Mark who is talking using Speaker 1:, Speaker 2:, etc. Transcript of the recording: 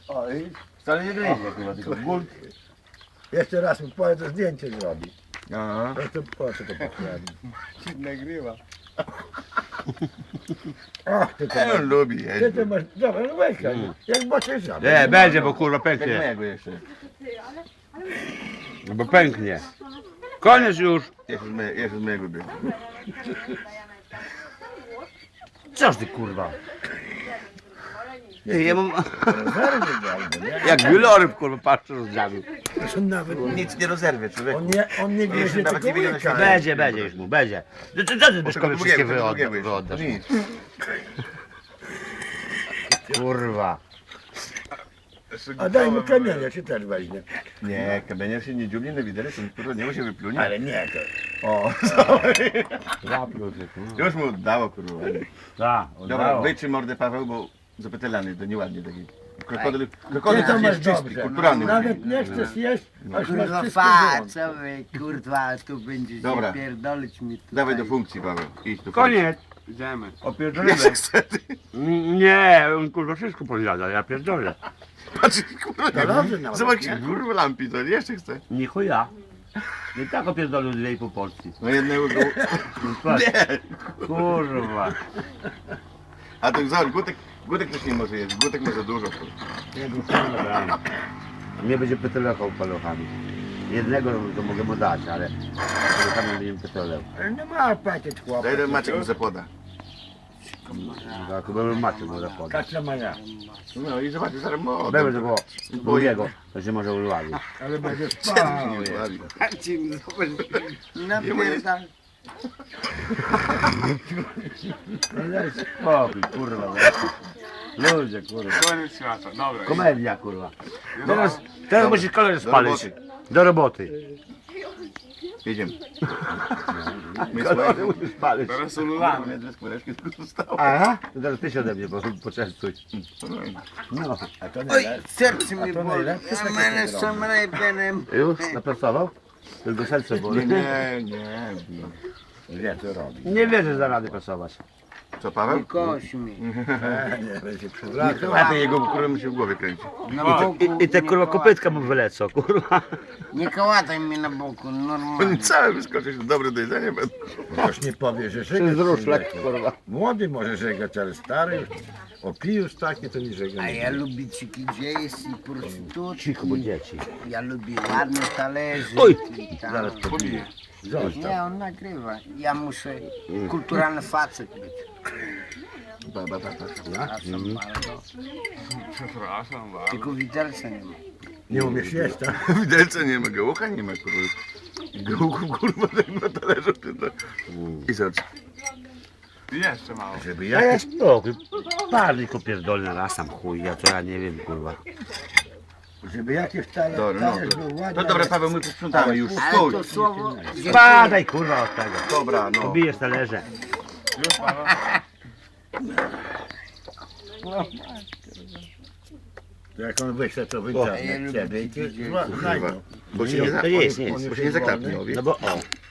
Speaker 1: O i
Speaker 2: Wcale nie gryzie chyba, tylko ból.
Speaker 1: jeszcze raz mu powie, to zdjęcie zrobi.
Speaker 2: Aha.
Speaker 1: To po co to pochłani?
Speaker 3: Ci nagrywa.
Speaker 1: Ach, ty to
Speaker 2: On
Speaker 1: masz.
Speaker 2: lubi
Speaker 1: Ty
Speaker 2: jeździć.
Speaker 1: to masz. Dobra, no weź, jak bocie żaby.
Speaker 4: Nie, będzie, bo kurwa
Speaker 2: Jak
Speaker 4: pęknie.
Speaker 2: mojego jeszcze.
Speaker 4: No bo pęknie. Koniec już.
Speaker 2: Jeszcze z mojego biegu.
Speaker 4: Coż ty kurwa? Ja mam...
Speaker 1: Zerwy go albo nie.
Speaker 4: Jak wieloryb kurwa patrzę rozdziawił.
Speaker 1: To nawet
Speaker 2: Nic nie rozerwie, człowieku.
Speaker 1: on nie
Speaker 2: Jeszcze
Speaker 1: wiezie
Speaker 2: nawet
Speaker 1: tego
Speaker 2: nie wiedział,
Speaker 1: łyka.
Speaker 2: że
Speaker 4: Będzie już mu, będzie. Co ty Byszkowi wszystkie wyoddasz?
Speaker 2: Nic.
Speaker 4: Kurwa.
Speaker 1: A daj mu kamienia, się też weźmie.
Speaker 2: Nie, kamienier się nie dziubnie na widelec, to kurwa nie mu się wyplunie.
Speaker 1: Ale nie, to.
Speaker 2: O,
Speaker 4: Zapił się kurwa.
Speaker 2: już mu oddało, kurwa.
Speaker 4: Tak,
Speaker 2: Dobra, wytrzyj mordę, Paweł, bo zapytelany, to nieładnie taki. Krokodyl
Speaker 1: Ty to
Speaker 2: jest
Speaker 1: masz
Speaker 2: czysty,
Speaker 1: dobrze.
Speaker 2: kulturalny.
Speaker 1: Nawet nie chcesz jeść, aż masz
Speaker 3: Kurwa
Speaker 1: wszystko
Speaker 3: fa,
Speaker 1: wyłączyć.
Speaker 3: co wy, kurwa, tu będziecie
Speaker 2: Dobra.
Speaker 3: pierdolić mi tutaj.
Speaker 2: Dawaj do funkcji, Paweł. Idź do funkcji.
Speaker 4: Koniec.
Speaker 3: Idziemy.
Speaker 4: Opierdolimy.
Speaker 2: Jeszcze chcę, ty.
Speaker 4: Nie, on kurwa wszystko podjada, ja pierdolę.
Speaker 2: Patrz, kurwa,
Speaker 1: To dobrze nawet,
Speaker 2: zobacz,
Speaker 1: nie?
Speaker 2: kurwa, lampi, to jeszcze chcę.
Speaker 4: Nie chuja. Nie tak opierdolił 2,5 porcji.
Speaker 2: No jednego go...
Speaker 4: Patrz,
Speaker 2: Nie!
Speaker 4: kurwa.
Speaker 2: A to zobacz, Gutek też nie może jeść, Gutek ma za dużo, kurwa.
Speaker 4: Dobra. Mnie będzie pytelekał paluchami. Jednego to mogę mu dać, ale paluchami będzie pytelał.
Speaker 1: Ale nie ma apetyt chłopak.
Speaker 2: Daj jeden Maciek mu zapoda.
Speaker 4: Tak, bo macie mu zapoda.
Speaker 1: Kaczka maja.
Speaker 2: No i zobacz, zaraz mu
Speaker 4: Będzie
Speaker 2: oddam.
Speaker 4: tego drugiego, to się może uwali.
Speaker 1: Ale będzie
Speaker 2: Siedem
Speaker 1: spał.
Speaker 2: się nie uwali.
Speaker 3: Napierdal.
Speaker 4: No daj spokój, kurwa. Ludzie, kurwa.
Speaker 3: Koniec świata, dobra.
Speaker 4: Komedia, kurwa. Teraz musisz kolor
Speaker 2: Do
Speaker 4: spalić.
Speaker 2: roboty.
Speaker 4: Do roboty.
Speaker 2: Jedziemy. My
Speaker 4: Kolory
Speaker 2: słuchaj,
Speaker 4: musisz spalić.
Speaker 3: Teraz ululamy.
Speaker 2: dwie skóreczki tylko zostało.
Speaker 4: Aha, to teraz ty się ode mnie poczęstuj. No.
Speaker 1: A to
Speaker 3: Oj,
Speaker 1: najlepsze.
Speaker 3: serce mi
Speaker 1: to
Speaker 3: boli.
Speaker 1: najlepsze
Speaker 3: A
Speaker 1: takie
Speaker 3: мене
Speaker 1: to
Speaker 3: są rejbenem.
Speaker 4: Już napracował? Tylko serce boli.
Speaker 2: Nie.
Speaker 1: Wie co robi.
Speaker 4: Nie wierzę, że da rady prasować.
Speaker 2: Co, Paweł?
Speaker 3: Nie koś mi.
Speaker 1: Nie, będzie przywracał.
Speaker 2: A ty jego kurwa mi się w głowie kręci.
Speaker 3: Na boku.
Speaker 4: I te kurwa kopytka mu wylecą, kurwa.
Speaker 3: Nie kołataj mnie na boku, normalnie.
Speaker 2: On cały wyskoczysz, dobre do jedzenia będą.
Speaker 1: Ktoś nie powie, że
Speaker 4: To
Speaker 1: żegać.
Speaker 4: jest
Speaker 1: nie
Speaker 4: ruszlak,
Speaker 1: wie.
Speaker 4: kurwa.
Speaker 1: Młody może żegać, ale stary już. Opijus taki to nie żega.
Speaker 3: A
Speaker 1: nie
Speaker 3: ja
Speaker 1: wie.
Speaker 3: lubię ciki gdzieś i prostytutki.
Speaker 4: Cicho, bo dzieci.
Speaker 3: Ja lubię ładne talerze.
Speaker 4: Oj,
Speaker 3: i tam.
Speaker 4: zaraz pobiję.
Speaker 1: Zostaw.
Speaker 3: Nie, on nagrywa. Ja muszę kulturalny facet być. Przepraszam bardzo.
Speaker 5: Przepraszam bardzo.
Speaker 3: Tylko widelca nie ma.
Speaker 1: Nie umiesz jeść, tak?
Speaker 2: Widelca nie ma, gołucha nie ma, kurwa. Gołuchów, kurwa, tak na talerzu. I zobacz.
Speaker 5: Jeszcze mało.
Speaker 1: Żeby
Speaker 4: Ja
Speaker 1: jakiś...
Speaker 4: jest spokój. Parnik opierdolny raz sam chuj, ja to ja nie wiem, kurwa.
Speaker 1: Żeby jakiś talerz
Speaker 2: Dobra, no.
Speaker 1: był ładny.
Speaker 2: To dobra, Paweł, my posprzątamy już.
Speaker 3: Ale
Speaker 2: Stój.
Speaker 3: to słowo...
Speaker 4: Spadaj, kurwa, od tego.
Speaker 2: Dobra, no.
Speaker 4: Pobijesz talerze.
Speaker 5: Już Paweł?
Speaker 1: To jak on wyśle to w internet ciebie i ty znajdą.
Speaker 2: Bo się nie,
Speaker 4: To jest, nie
Speaker 2: bo
Speaker 4: jest.
Speaker 2: się nie zakapnie, o, wie?
Speaker 4: No bo o,